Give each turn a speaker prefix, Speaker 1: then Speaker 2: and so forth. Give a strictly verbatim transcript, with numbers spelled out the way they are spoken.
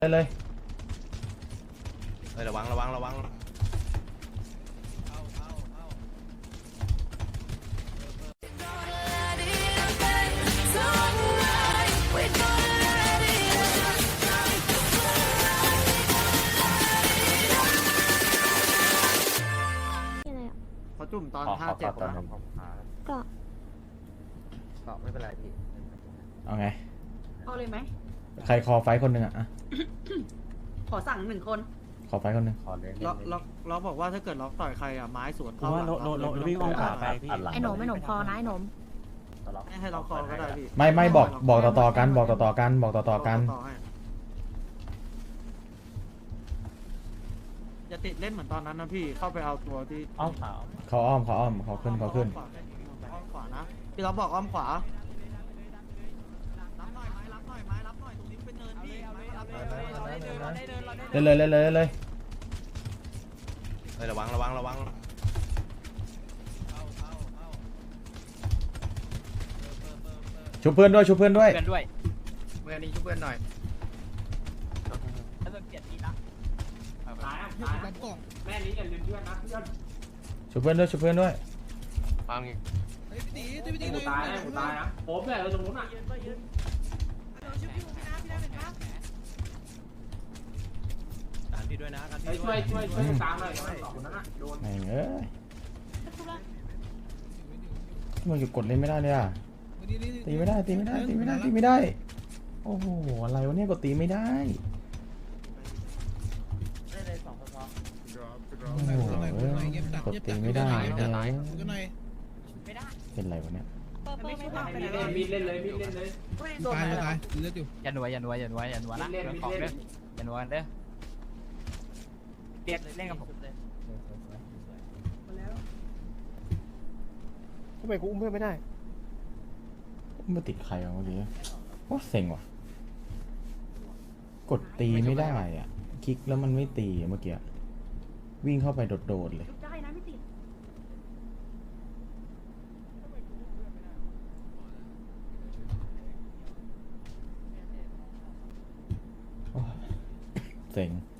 Speaker 1: ไปเลย
Speaker 2: เฮ้ยระวังระวังระวัง
Speaker 3: เขาจุ่มตอนห้าเจ็ดนะ
Speaker 4: ก็
Speaker 3: ก็ไม่เป็นไรพี่
Speaker 1: เอาไง
Speaker 5: เอาเลยไหม
Speaker 1: ใครคอไฟคนหนึ่งอ่ะอะ
Speaker 5: ขอสั่งหนึ่งคน
Speaker 1: ขอไฟคนหนึ่ง
Speaker 3: ขอเล่น
Speaker 6: ล็อกล็อกล็อกบอกว่าถ้าเกิดล็อกต่อยใครอ่ะไม้สวน
Speaker 7: ผมว่าโนโนโนวิ่งอ้อมขวาไปพี่
Speaker 4: ไอ้หนมไอ้หนมพอนะไอ้หนม
Speaker 6: ให้ให้ล็อกคอก็ได้พี่
Speaker 1: ไม่ไม่บอกบอกต่อต่อๆกันบอกต่อต่อๆกันบอกต่อต่อๆกัน
Speaker 6: ต่อให้อย่าติดเล่นเหมือนตอนนั้นนะพี่เข้าไปเอาตัวที่
Speaker 7: อ้อมขวา
Speaker 1: เขาอ้อมเขาอ้อมเขาขึ้นเขาขึ้น
Speaker 6: อ้อมขวานะพี่ล็อกบอกอ้อมขวารับหน่อยไม้รับหน่อยไม้รับหน่อยตรงนี้เป็นเนินพี่ไม้รับหน่อยเราได้เดินเราได้เดินเราได้เดิน
Speaker 1: เล่นเลยเล่นเลยเล่นเลย
Speaker 2: เฮ้ยระวังระวังระวัง
Speaker 1: ชุบเพื่อนด้วยชุบเพื่อนด้วย
Speaker 7: เพื่อนด้วย
Speaker 3: เมื่อนี้ช่วยเพื่อนหน่อย
Speaker 7: แล้วเปลี่ยนทีละ
Speaker 6: แม่นี้อย่าลืมเพื่อนนะเพื่อน
Speaker 1: ชุบเพื่อนด้วยชุบเพื่อนด้วย
Speaker 2: ฟัง
Speaker 6: กูตายนะกูตายนะผมเนี่ยเราตรงนู้นอ่ะ
Speaker 2: การพี่ด้วยนะการพี่
Speaker 6: ช่วยช่วยช่วยตามหน่อยสองคนนั้นอ่ะโดน
Speaker 1: แม่งเอ้ยมันอยู่กดเล่นไม่ได้เลยอ่ะตีไม่ได้ตีไม่ได้ตีไม่ได้ตีไม่ได้โอ้โหอะไรวะเนี่ยกดตีไม่ได้โอ้โหกดตีไม่ได้เลยเป็นไรวะเนี่ย
Speaker 6: มีดเล่นเลยมีดเล่นเลย
Speaker 8: ตายตายเลือดอยู่
Speaker 7: อย่าหน่วยอย่าหน่วยอย่าหน่วยอย่าหน่วยนะเรื่องของเด้ออย่าหน่วยเด้อเปลี่ยนเล่นกับผม
Speaker 3: ทำไมกูอุ้มเพื่อนไม่ได้
Speaker 1: มาติดใครวะเมื่อกี้ว่าเซ็งว่ะกดตีไม่ได้อ่ะคลิกแล้วมันไม่ตีอะเมื่อกี้วิ่งเข้าไปโดดๆเลย
Speaker 5: ได้นะไม่ติด
Speaker 1: โอ้ยเซ็ง